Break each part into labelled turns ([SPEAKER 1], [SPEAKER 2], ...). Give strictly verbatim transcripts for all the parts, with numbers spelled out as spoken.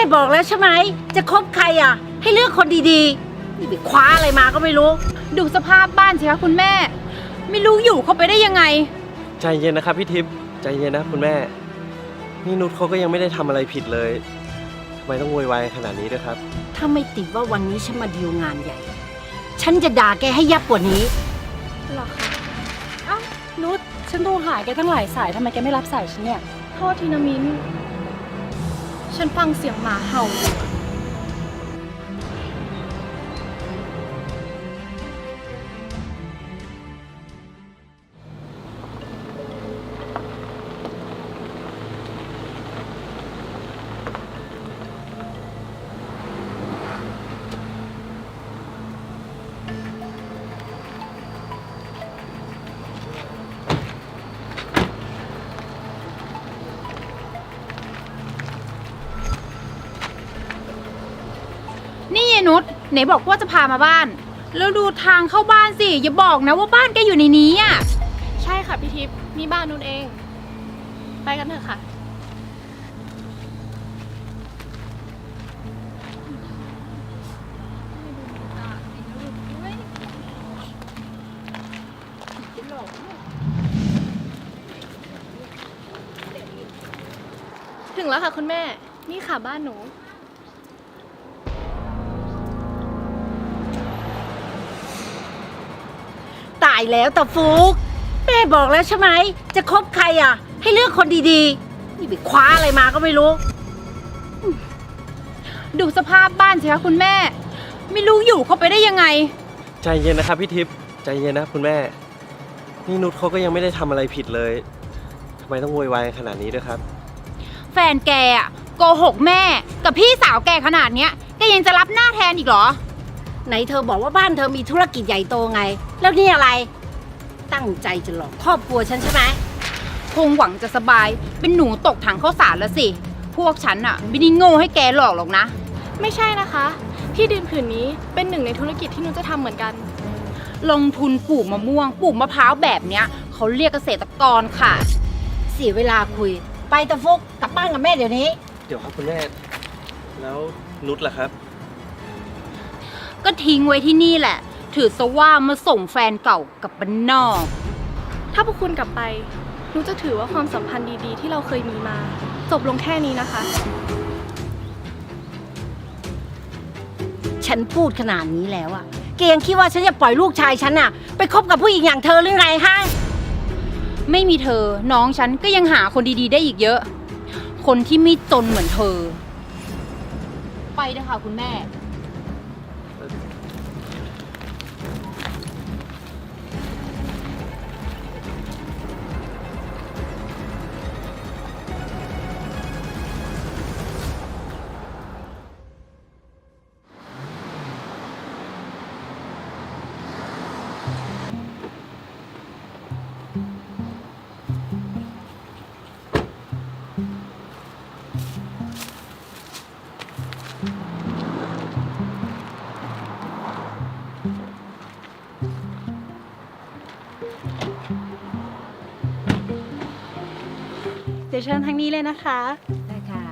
[SPEAKER 1] บอกแล้วใช่ไหมจะคบใครอ่ะให้เลือกคนดีๆนี่ไปคว้าอะไรมาก็ไม่รู้
[SPEAKER 2] ดูสภาพบ้านสิคะคุณแม่ไม่รู้อยู่เข้าไปได้ยังไง
[SPEAKER 3] ใจเย็นนะครับพี่ทิพย์ใจเย็นนะคุณแม่นี่นุชเขาก็ยังไม่ได้ทำอะไรผิดเลยทำไมต้องโวยวายขนาดนี้ด้วยครับ
[SPEAKER 1] ถ้าไม่ติดว่าวันนี้ฉันมาดีลงานใหญ่ฉันจะด่าแกให้ยับกว่านี้
[SPEAKER 2] หรอคะเอ้านุชฉันโทรหาแกตั้งหลายสายทำไมแกไม่รับสายฉันเนี่ยโทษทีนะมิ้นฉันฟังเสียงหมาเห่าอยู่นี่ยายนุชไหนบอกว่าจะพามาบ้านแล้วดูทางเข้าบ้านสิอย่าบอกนะว่าบ้านแกอยู่ในนี้อ่ะใช่ค่ะพี่ทิพย์นี่บ้านนุชเองไปกันเถอะค่ะถึงแล้วค่ะคุณแม่นี่ค่ะบ้านหนู
[SPEAKER 1] ตายแล้วตาฟุกแม่บอกแล้วใช่ไหมจะคบใครอ่ะให้เลือกคนดีๆนี่ไปคว้าอะไรมาก็ไม่รู้
[SPEAKER 2] ดูสภาพบ้านสิคะคุณแม่ไม่รู้อยู่เข้าไปได้ยังไง
[SPEAKER 3] ใจเย็นนะครับพี่ทิพย์ใจเย็นนะคุณแม่นี่นุชเขาก็ยังไม่ได้ทำอะไรผิดเลยทำไมต้องโวยวายขนาดนี้ด้วยครับ
[SPEAKER 2] แฟนแกอ่ะโกหกแม่กับพี่สาวแกขนาดเนี้ยแกยังจะรับหน้าแทนอีกเหรอ
[SPEAKER 1] ไหนเธอบอกว่าบ้านเธอมีธุรกิจใหญ่โตไงแล้วนี่อะไรตั้งใจจะหลอกครอบครัวฉันใช่ไหม
[SPEAKER 2] คงหวังจะสบายเป็นหนูตกถังข้าวสารแล้วสิพวกฉันอ่ะไม่ได้โง่ให้แกหลอกหรอกนะไม่ใช่นะคะที่ดินผืนนี้เป็นหนึ่งในธุรกิจที่หนูจะทำเหมือนกันลงทุนปลูกมะม่วงปลูกมะพร้าวแบบเนี้ยเขาเรียกเกษตรกรค่ะ
[SPEAKER 1] เสียเวลาคุยไปตะฟุกกลับบ้านกับแม่เดี๋ยวนี้
[SPEAKER 3] เดี๋ยวครับคุณแม่แล้วนุชล่ะครับ
[SPEAKER 2] ก็ทิ้งไว้ที่นี่แหละถือซะว่ามาส่งแฟนเก่ากับบ้านนอกถ้าพวกคุณกลับไปหนูจะถือว่าความสัมพันธ์ดีๆที่เราเคยมีมาจบลงแค่นี้นะคะ
[SPEAKER 1] ฉันพูดขนาดนี้แล้วอะแกยังคิดว่าฉันจะปล่อยลูกชายฉันอะไปคบกับผู้หญิงอย่างเธอหรือไงฮะ
[SPEAKER 2] ไม่มีเธอน้องฉันก็ยังหาคนดีๆได้อีกเยอะคนที่ไม่จนเหมือนเธอไปเถอะค่ะคุณแม่เดี๋ยวเชิญทางนี้เลยนะคะ
[SPEAKER 1] ได้ค่ะ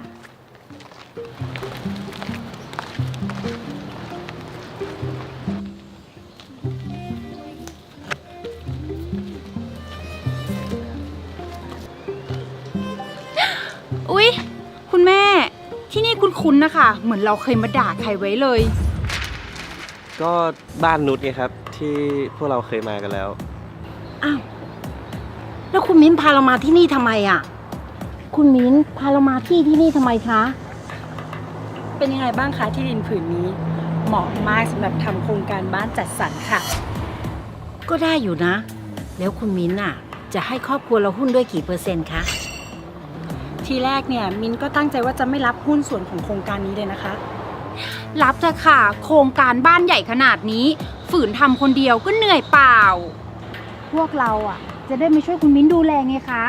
[SPEAKER 2] อุ๊ยคุณแม่ที่นี่คุ้นๆนะคะเหมือนเราเคยมาด่าใครไว้เลย
[SPEAKER 3] ก็บ้านนุชไงครับที่พวกเราเคยมากันแล้ว
[SPEAKER 1] อ้าวแล้วคุณมิ้นพาเรามาที่นี่ทำไมอ่ะคุณมิ้นพาเรามาที่ที่นี่ทำไมคะ
[SPEAKER 4] เป็นยังไงบ้างคะที่ดินผืนนี้เหมาะมากสำหรับทำโครงการบ้านจัดสรรค่ะ
[SPEAKER 1] ก็ได้อยู่นะแล้วคุณมิ้นอ่ะจะให้ครอบครัวเราหุ้นด้วยกี่เปอร์เซ็นต์คะ
[SPEAKER 4] ทีแรกเนี่ยมิ้นก็ตั้งใจว่าจะไม่รับหุ้นส่วนของโครงการนี้เลยนะคะ
[SPEAKER 2] รับเถอะค่ะโครงการบ้านใหญ่ขนาดนี้ฝืนทำคนเดียวก็เหนื่อยเปล่าพวกเราอ่ะจะได้มาช่วยคุณมิ้นดูแลไงคะ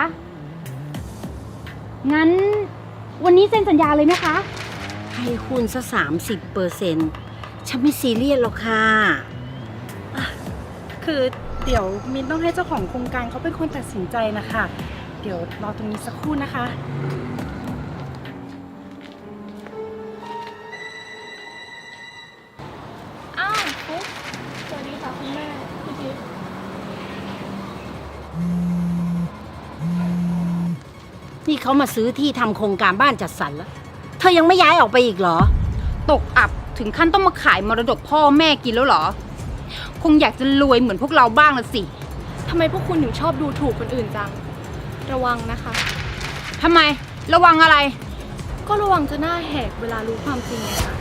[SPEAKER 2] งั้นวันนี้เซ็นสัญญาเลยนะคะ
[SPEAKER 1] ให้หุ้นซะสามสิบเปอร์เซ็นต์ฉันไม่ซีเรียสหรอกค่ะ
[SPEAKER 4] คือเดี๋ยวมิ้นต้องให้เจ้าของโครงการเขาเป็นคนตัดสินใจนะคะเดี๋ยวรอตรงนี้สักครู่นะคะ
[SPEAKER 1] นี่เขามาซื้อที่ทำโครงการบ้านจัดสรรแล้ว เธอยังไม่ย้ายออกไปอีกเหรอ
[SPEAKER 2] ตกอับถึงขั้นต้องมาขายมรดกพ่อแม่กินแล้วเหรอ คงอยากจะรวยเหมือนพวกเราบ้างละสิ
[SPEAKER 5] ทำไมพวกคุณถึงชอบดูถูกคนอื่นจัง ระวังนะคะ
[SPEAKER 2] ทำไม ระวังอะไร
[SPEAKER 5] ก็ระวังจะหน้าแหกเวลารู้ความจริงไงคะ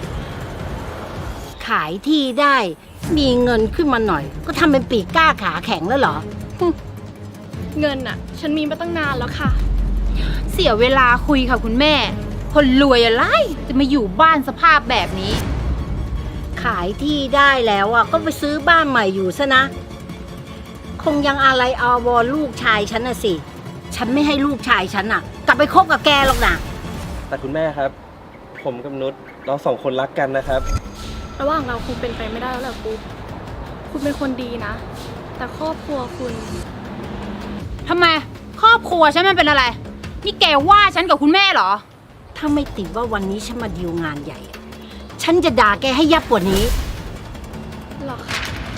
[SPEAKER 1] ขายที่ได้ มีเงินขึ้นมาหน่อย ก็ทำเป็นปีกกล้าขาแข็งแล้วเหรอ
[SPEAKER 5] เงินน่ะ ฉันมีมาตั้งนานแล้วค่ะ
[SPEAKER 2] เสียเวลาคุยค่ะคุณแม่ คนรวยอะไรจะมาอยู่บ้านสภาพแบบนี้
[SPEAKER 1] ขายที่ได้แล้วอ่ะก็ไปซื้อบ้านใหม่อยู่ซะนะ คงยังอะไรอาวรลูกชายฉันน่ะสิ ฉันไม่ให้ลูกชายฉันอ่ะ กลับไปคบกับแกหรอกนะ
[SPEAKER 3] แต่คุณแม่ครับ ผมกับนุชเราสองคนรักกันนะครับ
[SPEAKER 5] ระหว่างเราคงเป็นไปไม่ได้แล้วแหละปุ๊บคุณเป็นคนดีนะ แต่ครอบครัวคุณ
[SPEAKER 2] ทำไม ครอบครัวฉันมันเป็นอะไร นี่แกว่าฉันกับคุณแม่เหรอ
[SPEAKER 1] ถ้าไม่ติดว่าวันนี้ฉันมาดีลงานใหญ่อะฉันจะด่าแกให้ยับกว่านี้
[SPEAKER 5] หรอคะ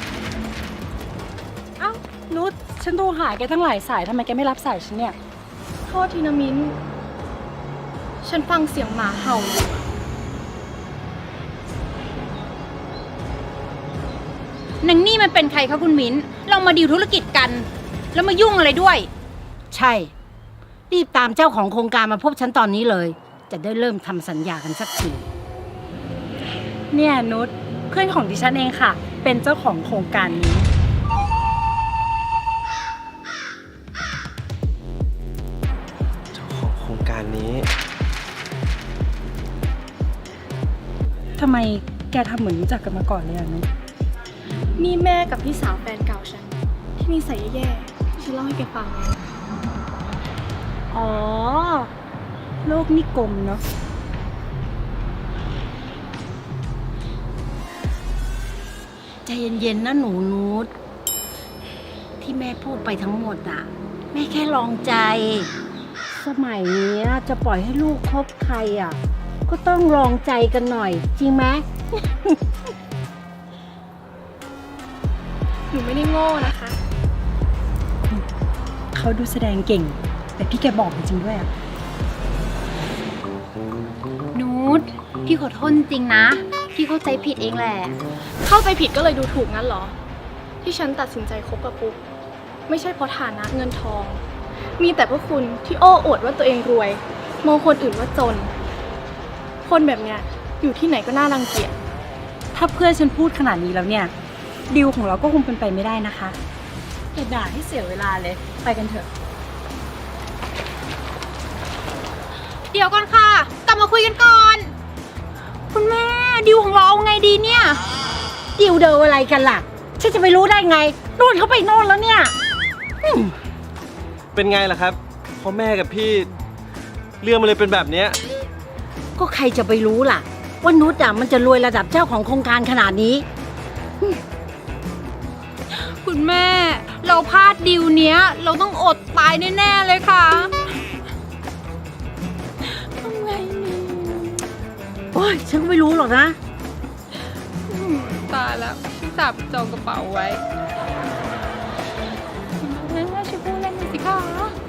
[SPEAKER 4] เอ้านุชฉันโทรหาแกตั้งหลายสายทำไมแกไม่รับสายฉันเนี่ย
[SPEAKER 5] โทษทีนะมิ้น ฉันฟังเสียงหมาเห่าอยู่
[SPEAKER 2] นางนี่มันเป็นใครคะคุณมิ้น เรามาดีลธุรกิจกัน แล้วมายุ่งอะไรด้วย
[SPEAKER 1] ใช่ รีบตามเจ้าของโครงการมาพบฉันตอนนี้เลย จะได้เริ่มทำสัญญากันสักที
[SPEAKER 4] เนี่ยนุชเพื่อนของดิฉันเองค่ะ เป็นเจ้าของโครงการนี้
[SPEAKER 3] เจ้าของโครงการนี้
[SPEAKER 4] ทำไมแกทำเหมือนรู้จักกันมาก่อนเลยอะนุช
[SPEAKER 5] นี่แม่กับพี่สาวแฟนเก่าฉัน ที่มีใส่แย่ๆที่ฉันเล่าให้แกฟังไง
[SPEAKER 4] อ๋อ โลกนี่กลมเนาะ
[SPEAKER 1] ใจเย็นๆนะหนูนูตที่แม่พูดไปทั้งหมดอ่ะ แม่แค่ลองใจ สมัยเนี้ยจะปล่อยให้ลูกคบใครอ่ะ ก็ต้องลองใจกันหน่อย จริงไหม
[SPEAKER 5] หนูไม่ได้โง่นะคะ
[SPEAKER 4] เขาดูแสดงเก่ง แต่พี่แกบอกจริงๆด้วยอะ
[SPEAKER 2] นูตพี่ขอโทษจริงๆนะ พี่เข้าใจผิดเองแหละ
[SPEAKER 5] เข้าใจผิดก็เลยดูถูกงั้นเหรอ ที่ฉันตัดสินใจคบกับปุ๊กไม่ใช่เพราะฐานะเงินทอง มีแต่พวกคุณที่โอ้อวดว่าตัวเองรวย มองคนอื่นว่าจน คนแบบเนี้ยอยู่ที่ไหนก็น่ารังเกียจ
[SPEAKER 4] ถ้าเพื่อนฉันพูดขนาดนี้แล้วเนี่ยดีลของเราก็คงเป็นไปไม่ได้นะคะอย่าด่าให้เสียเวลาเลย ไปกันเถอะ
[SPEAKER 2] เดี๋ยวก่อนค่ะ กลับมาคุยกันก่อน คุณแม่ดิวของเราเอาไงดีเนี่ย
[SPEAKER 1] ดิวเดออะไรกันล่ะ ฉันจะไปรู้ได้ไงโน่นเขาไปโน่นแล้วเนี่ยอืม
[SPEAKER 3] เป็นไงล่ะครับพอแม่กับพี่เรื่องมันเลยเป็นแบบเนี้ย
[SPEAKER 1] ก็ใครจะไปรู้ล่ะ ว่านุชอ่ะมันจะรวยระดับเจ้าของโครงการขนาดนี้
[SPEAKER 2] คุณแม่ เราพลาดดิวเนี้ย เราต้องอดตายแน่ๆเลยค่ะทำไงนี่
[SPEAKER 1] โอ้ยฉันก็ไม่รู้หรอกนะ
[SPEAKER 2] อืมตายแล้วพี่สาวจองกระเป๋าไว้แม่ช่วยพูดเล่นหน่อยสิคะ